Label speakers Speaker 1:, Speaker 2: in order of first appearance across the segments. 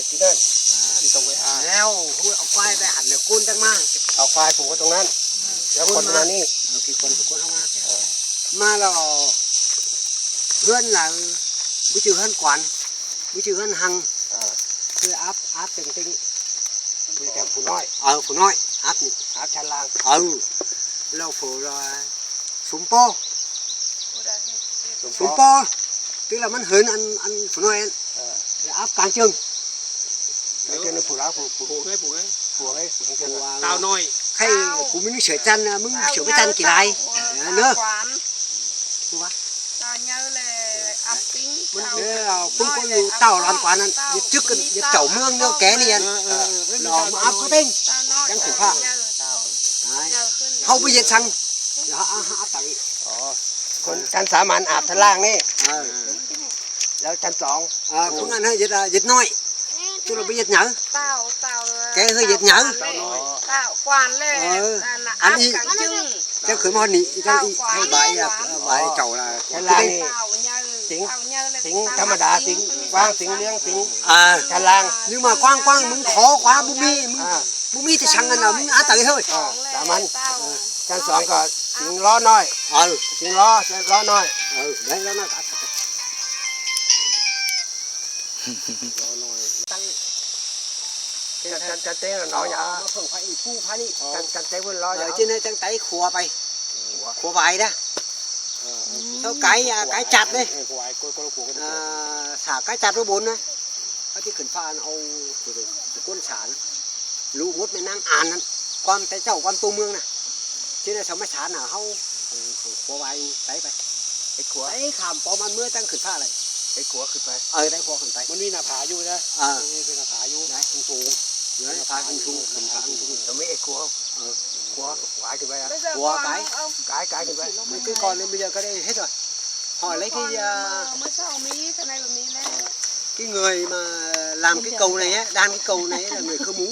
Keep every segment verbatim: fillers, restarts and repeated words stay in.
Speaker 1: ที่นั่นที่ตรงไปหาแล้วเอาควายไปหันเดี๋ยวกุ้นจังมาเอาควายผูกไว้ตรงนั้นแล้วคนมานี่พี่คนทุกคนเข้ามามาเราเพื่อนหลังวิจิตรเพื่อนกวนวิจิตรเพื่อนหังคืออัพอัพเต็งเต็งคือแกผู้น้อยเออผู้น้อยอัพนี่อัพชั้นล่างเออเราผู้เราสมโปสมโปtức làมันเหินอันอันผู้น้อยอันอัพกลางจึงกลางจึงนี่ผู้ร้ายผู้ผู้ให้ผู้ให้ผู้ให้ผู้ตาวน้อยใครผู้มึงเฉยจันนะมึงเฉยไม่จันกี่ไรเนอะผู้วะตาเยอะเลยอัพปิ้งมันเออพึ่งคนอยู่เต่าร้านกว่านั้นยึดจึกกันยึดเต่าเมืองเนื้อแก่เนี่ยหล่อมาอัพก็เต้งจังสุภาพเขาไปยึดชังแล้วอัพต่างอ๋อคนชั้นสามัญอาบชั้นล่างนี่แล้วชั้นสองพวกนั้นให้ยึดยึดน้อยตัวเราไปยึดหนังแกให้ยึดหนัง
Speaker 2: กวานเลยอันนี้
Speaker 1: จะขึ้นมาหนีจะให้ใบใบเก่าละชั้นล่างนี่สิงสิงธรรมดาสิงกว้างสิงเลี้ยงสิงชั้นล่างnhưng mà quang quangมึงขอขวาบุมีมึงบุมีจะชังกันนะมึงอาตัยthôiสามัญชั้นสองก็สิงล้อน้อยเออสิงล้อล้อน้อยเออได้ล้อน้อยล้อน้อยตั้งจันจันจันเต้ล้ออย่าเพิ่งไปอีกผู้พานี่จันจันเต้เพิ่งล้ออย่าtrên đâyจันเต้ขัวไปขัวใบนะsau cái cái chặt đấy xả cái chặt với bốn đấy cáiที่ขึ้นฟ้าเอาตัวก้นสารลูกมดไม่นั่งอ่านนั้นความแต่เจ้าความตัวเมืองน่ะที่นั่นสมัยสารน่ะเขาขัวใบไต่ไปไอ้ขัวไอ้ขามปอมันเมื่อตั้งขึ้นฟ้าเลยไอ้ขัวขึ้นไปเออได้ขัวขึ้นไปมันมีหน้าผาอยู่นะเออเป็นหน้าผาอยู่ได้สูงเยอะหน้าผาสูงขึ้นผาสูงแต่ไม่ไอ้ขัวเออขัวquáiขึ้นไปอ่ะขัวcái cái cáiขึ้นไปmấy cái con nên bây giờ cái đây hết rồi hỏi lấy cái
Speaker 2: mới sau mí cái này là mí này
Speaker 1: cái người mà làm cái cầu này á đan cái cầu này là người Khơ Mú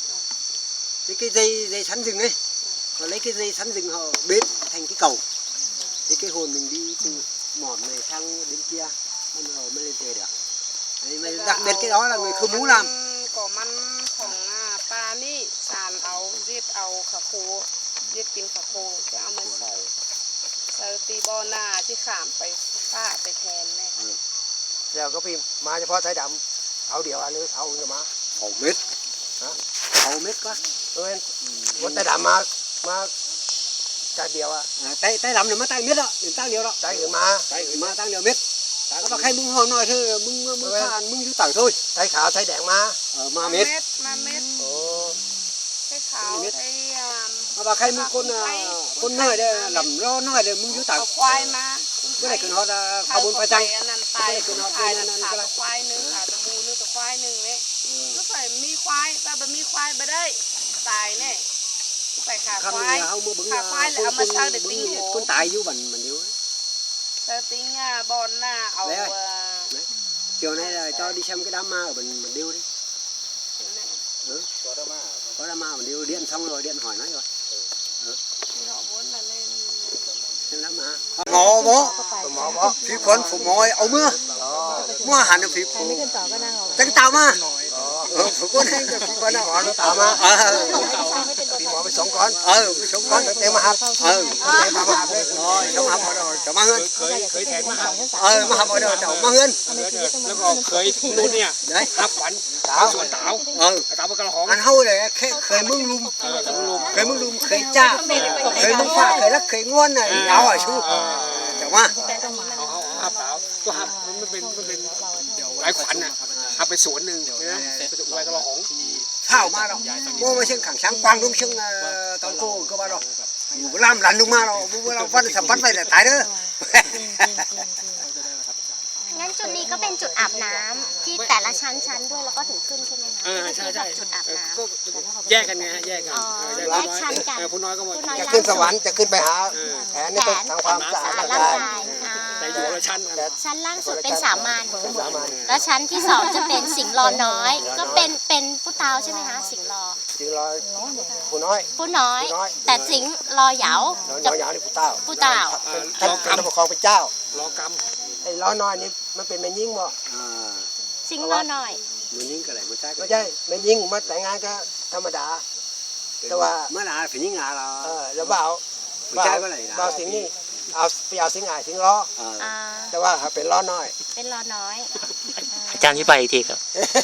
Speaker 1: cái cái dây dây sắn rừng ấy họ lấy cái dây sắn rừng họ bết thành cái cầu thì cái hồn mình đi từ mỏm này sang đến kia mới mới lên tề được đấy, mà đặc biệt cái đó là người Khơ Mú làm
Speaker 2: cóมันของปลานี่สารเอาเรียดเอาขาโคเรียดกินขาโคจะเอามาใส่ใส่ตีบอนาที่ขามไปป้าไปแทนแม่
Speaker 1: เดี๋ยวก็พี่มาเฉพาะสายดำเขาเดียวหรือเขาจะมาเขาเม็ดฮะเขาเม็ดก็เออวันสายดำมามาใจเดียวอ่ะใจใจดำเนี่ยมาใจเม็ดอ่ะตั้งเดียวแล้วใจอื่นมาใจอื่นมาตั้งเดียวเม็ดก็บอกให้มึงห่อหน่อยเถอะมึงมึงมึงผ่านมึงอยู่ต่างthôiใจขาวใจแดงมาเออมาเม็ด
Speaker 2: มาเม็ดโอ้ใจขาวใจ
Speaker 1: มาบอกให้มึงคนคนน้อยเด้อลำล้อน้อยเด้อมึงอยู่ต่าง
Speaker 2: ควายมา
Speaker 1: ไม่ได้ขึ้นฮอดขบวนไปจัง
Speaker 2: ไม่ได้ขึ้นฮอดด้วยนั่นขาควายหนึ่งขาตะมูนึงตัวควายหนึ่งเนี่ยก็ใส่มีควายแต่แบบมีควายไปได้ตายเนี่ยใส่ขาควายขาควายเลยเอามาเช่าเด็กติ้ง
Speaker 1: คนตายอยู่บันมันเดียว
Speaker 2: แต่ติ้งบอลน่ะเอา
Speaker 1: chiều nay là cho đi xem cái đám ma ở mình mình điêu đi ừ. có đám ma có đám ma mình điêu điện xong rồi điện hỏi nó rồi ừ.
Speaker 2: họ muốn là lên
Speaker 1: xem đám ma mò bó mò bó phi quân phụ mồi ấu mưa mưa hẳn là phi phụ tránh tàu ma phụ quân hay là phi quân nào nó tàu ma phi mò với sống con ờ với sống con đem mà học ờ đem mà học rồi sống học rồi cháu ma hơn
Speaker 3: khởi khởi thẹn mà học
Speaker 1: ờ mà học rồi cháu ma hơn
Speaker 3: แล้วก็เคยทุ่งนู่นเนี่ยหับขวัญสาวสวนสาวเออสาวกระหอง
Speaker 1: อันเฮาเลยเคยมึงลุมเคยมึงลุมเคยจ้าเคยมึงฟ้าเคยรักเคยง้วนน่ะเอาอ่ะชูเจ้ามา
Speaker 3: เอาเอาหับสาวตัวหับมันเป็นมันเป็นหลายขวัญน่ะหับไปสวนนึงนะไปสวนกระหอง
Speaker 1: ข้าวมาแล้วโม่มาเชิงขังช้างกวางลุงเชิงตอนโก้ก็มาแล้วอยู่ล่ามหลันลุงมาแล้วมึงเราฟันสัมพันธ์ไปแต่ตายเด้อ
Speaker 4: งั้นจุดนี้ก็เป็นจุดอาบน้ำที่แต่ละชั้นชั้นด้วยแล้วก็ถึงขึ้นใช่ไหมคะ
Speaker 3: เออใช่ใช่
Speaker 4: จุดอาบน้
Speaker 3: ำแยกกันไงแยกกัน
Speaker 4: แยกชั้นกัน
Speaker 3: ผู้น้อยก็หมด
Speaker 1: จะขึ้นสวรรค์จะขึ้นไปหาแผนนี่ต้องทำความสะอาดร่างกาย
Speaker 3: แต่อยู่ละชั้น
Speaker 4: ชั้นล่างสุดเป็นสามัญแล้วชั้นที่สองจะเป็นสิงห์รอน้อยก็เป็นเป็นผู้เฒ่าใช่ไหมคะสิงห์รอ
Speaker 1: สิงห์รอผู้น้อย
Speaker 4: ผู้น้อยแต่สิงห์รอเหยา
Speaker 1: จะเหยานี่ผู้เฒ่า
Speaker 4: ผู้เฒ่า
Speaker 1: ท่านท่านปกครองเป็นเจ้า
Speaker 3: รอกรรม
Speaker 1: ไอ้ล้อน้อยนี่มันเป็นแม่ยิ่งบ่
Speaker 4: สิงห์รอน้อย
Speaker 1: มันยิงก็ไหลมันใช่ก็
Speaker 5: ไม่ใช่ไม่ยิงมาแต่งงานก็ธรรมดา แต่ว่า
Speaker 1: เมื่อไหร่ผียิงงาเรา
Speaker 5: เออแล้วบ่าว
Speaker 1: ผู้ชายก็ไหลนะ
Speaker 5: บ่าวสิงห์นี่เอาไปเอาสิงห์อายสิงห์ล้อ
Speaker 4: อ่า
Speaker 5: แต่ว่าเป็นล้อน้อย
Speaker 4: เป็นรอน้อย
Speaker 6: อาจารย์อธิบายอีกทีครับ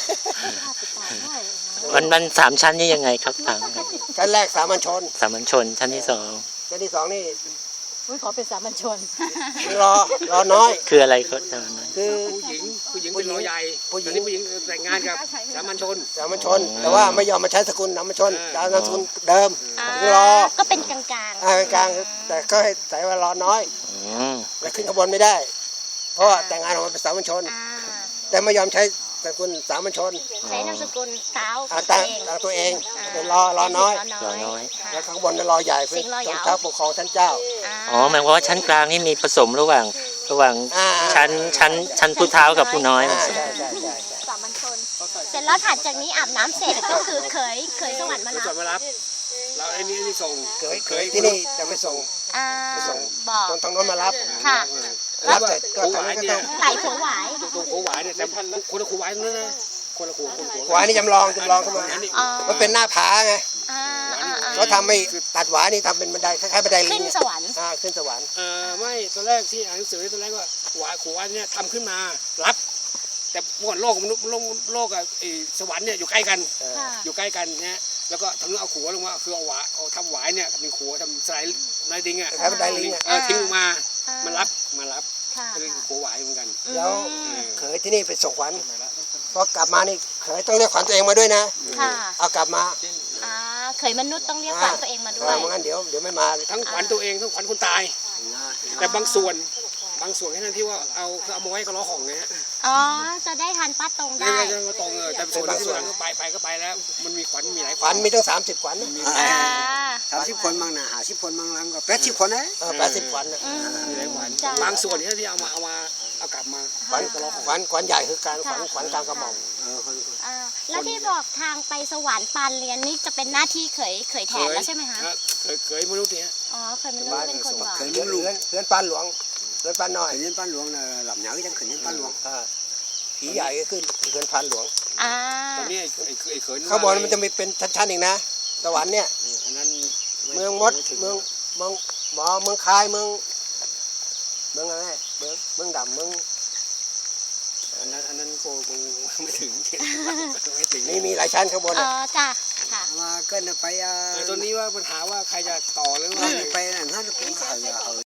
Speaker 6: มันมันสามชั้นนี่ยังไงครับต่างกัน
Speaker 5: ชั้นแรกสามัญชน
Speaker 6: สามัญชนชั้นที่สอง
Speaker 5: ชั้นที่สองนี่
Speaker 7: อุ้ยขอเป็นสามัญชน
Speaker 5: สิงห์ล้อล้อน้อย
Speaker 6: คืออะไรครับอาจารย์
Speaker 5: คือ
Speaker 3: ผู้หญิงผู้หญิงเป็นรอใหญ่
Speaker 5: ผู้หญิง
Speaker 3: ตอนนี้ผู้หญิงแต่งงานกับสามัญชน
Speaker 5: สามัญชน แต่ว่าไม่ยอมมาใช้สกุลสามัญชนจะเอานามสกุลเดิม
Speaker 4: อ่า
Speaker 5: สิงห์ล้อ
Speaker 4: ก็เป็นกลางกลาง
Speaker 5: อ่ากลางๆแต่ก็ให้ใส่ว่าล้อน้อย
Speaker 6: อืม
Speaker 5: แต่ขึ้นขบวนไม่ได้ เพราะว่าแต่งงานออกมาเป็นสามัญชน
Speaker 4: อ่า
Speaker 5: แต่ไม่ยอมใช้สกุลสามัญชน
Speaker 4: ใช้นามสกุลเท้า
Speaker 5: เอา
Speaker 4: ตั
Speaker 5: ตั้
Speaker 4: ว
Speaker 5: ง
Speaker 4: เอง
Speaker 5: เอาตัวเอง
Speaker 4: า
Speaker 5: เป็นล้อล้อน้อย
Speaker 4: ล้อน้อยค่ะ
Speaker 5: แล้วข้างบนเป็นล้อใหญ่เป็น
Speaker 4: สิงห์ล้อ
Speaker 5: ต้
Speaker 4: ยาน ว
Speaker 5: เท้าปกครองท่านเจ้า
Speaker 6: อ๋อหมายความว่าชั้นกลางนี่มีผสมระหว่างระหว่าง
Speaker 5: อ่า
Speaker 6: ชั้นชั้นชั้นผู้เท้ากับผู้น้อย
Speaker 5: อ่าใช่ใช่ใช่ใช่
Speaker 4: สามัญชน เสร็จแล้วถัดจากนี้อาบน้ำเสร็จก็คือเคยเคยสวรรค์มา
Speaker 3: ผู้
Speaker 4: รั
Speaker 3: จ
Speaker 4: บ
Speaker 3: ดมารับเราไอ้นี่นี่ส่ง
Speaker 5: เคยเคยที่นี่จะไปส่ง
Speaker 4: อ่า
Speaker 5: ไปส่ง
Speaker 4: บอก
Speaker 5: ตรงทางโน้นมารับ
Speaker 4: ค่ะ
Speaker 5: รับเสร็จก็ทางนี้ก็ต้อง
Speaker 4: ไหลผัวหวาย
Speaker 3: ตัวครูหวายเนี่ยแต่คนละครูหวายนั่นนะคนละครูคนละครู
Speaker 5: หวายนี่จำลองจำลองเข้ามา
Speaker 4: อ๋อ
Speaker 5: มันเป็นหน้าผาไง
Speaker 4: อ่าอ่าอ่า
Speaker 5: เขาทำไม่ตัดหวายนี่ทำเป็นบันไดคล้ายๆบันไดลิ
Speaker 4: ขึ้
Speaker 5: ง
Speaker 4: นสวรรค์
Speaker 5: อ่าขึ้นสวรรค์
Speaker 3: เออไม่ตอนแรกที่อ่านหนังสือตอนแรกว่าหวายครูหวายเนี่ยทำขึ้นมารับ แต่เมื่อก่อนโลกมนุษย์โลกโลกกับไอ้สวรรค์เนี่ยอยู่ใกล้กัน
Speaker 4: ค่ะ
Speaker 3: อยู่ใกล้กันนะแล้วก็ทำเรื่องเอาขัวลงมาคือเอาหวายเอาทำหวายเนี่ยทำเป็นขัวทำสไลด์ไลดิงอ่ะ
Speaker 5: คล้ายๆบันไดลิงอ่ะ
Speaker 3: เออทิ้งลงมา
Speaker 4: อ่า
Speaker 3: มารับมารับ
Speaker 4: ค่ะ
Speaker 3: เป็นขัวหวายเหมือนกัน
Speaker 5: แล้ว
Speaker 4: อืม
Speaker 5: เขยที่นี่ไปส่งขวัญพอกลับมานี่เขยต้องเรียกขวัญตัวเองมาด้วยนะ
Speaker 4: ค่ะ
Speaker 5: เอากลับมา
Speaker 4: อ่าเคยมนุษย์ต้องเรียกขวัญตัวเองมาด้วย
Speaker 5: เไม่งั้นเดี๋ยวเดี๋ยวไม่มา
Speaker 3: ทั้งขวัญตัวเองทั้งขวัญคนตาย แต่บางส่วนบางส่วนแค่นั้นที่ว่าเอาเอามาไว้ก็ล้อของไงฮะ
Speaker 4: อ๋อ จะได้ทันป้าตรง
Speaker 3: ไม่
Speaker 4: ได้
Speaker 3: ไม่ไม่ตรงเออแต่ส่วนที่ส่วนก็ไปไปก็ไปแล้ว มันมีขวัญมีหลาย
Speaker 5: ขวัญมีตั้งสามสิบขวัญ
Speaker 4: อ่า
Speaker 1: สามสิบคนบางนะหาสิบคนบางหลังก็แปดสิบคนนะ
Speaker 5: แปดสิบขวัญน่ะ
Speaker 4: อืม
Speaker 3: มีหลายขวัญ
Speaker 4: จ้ะ
Speaker 3: บางส่วนที่ที่เอามาเอามาเอากลับมา
Speaker 5: ขวัญขวัญขวัญใหญ่คือการขวัญขวัญกลางกระหม่อม
Speaker 1: เออคน
Speaker 4: อ่าแล้วที่บอกทางไปสวรรค์ปานเรียนนี่จะเป็นหน้าที่เขยเขยแทนแล้วใช่ไหมคะ
Speaker 3: เคยเคยมนุษย์เนี่ย
Speaker 4: อ๋อ เคยมนุษย์เป็นคนบอก
Speaker 1: เคย
Speaker 5: เรื
Speaker 1: มึ
Speaker 5: อน
Speaker 1: งลูก
Speaker 5: เรือนเรือนปานหลวงเรือนปานน้อย
Speaker 1: เคยเล่นป้านหลวงนะหลับเหนียวยังเคยเล่นป้านหลวง
Speaker 5: อ่าผีใหญ่ก็ขึ้นเรือนปานหลวง
Speaker 4: อ่า
Speaker 3: ตอนนี้ไอ้ไอ้ไอ้เขิน
Speaker 5: ข้างบนมันจะมีเป็นชั้นๆอีกนะสวรรค์เนี่ย
Speaker 3: อันนั้น
Speaker 5: เมืองมดเมืองเมืองหมอเมืองคายเมืองเมืองอะไรเมืองเมืองดำเมือง
Speaker 3: อันนั้นอันนั้นโกคงไม่ถึงไม่ถึง
Speaker 5: นี่มีหลายชั้นข้างบน
Speaker 4: อ๋อ
Speaker 5: อ่ะ
Speaker 4: จ้ะ ค่ะ
Speaker 1: มาเกินไปอ่ะ
Speaker 3: ตอนนี้ว่าปัญหาว่าใครจะต่อหรือว่า
Speaker 1: ไปนั่นท่านกูเขา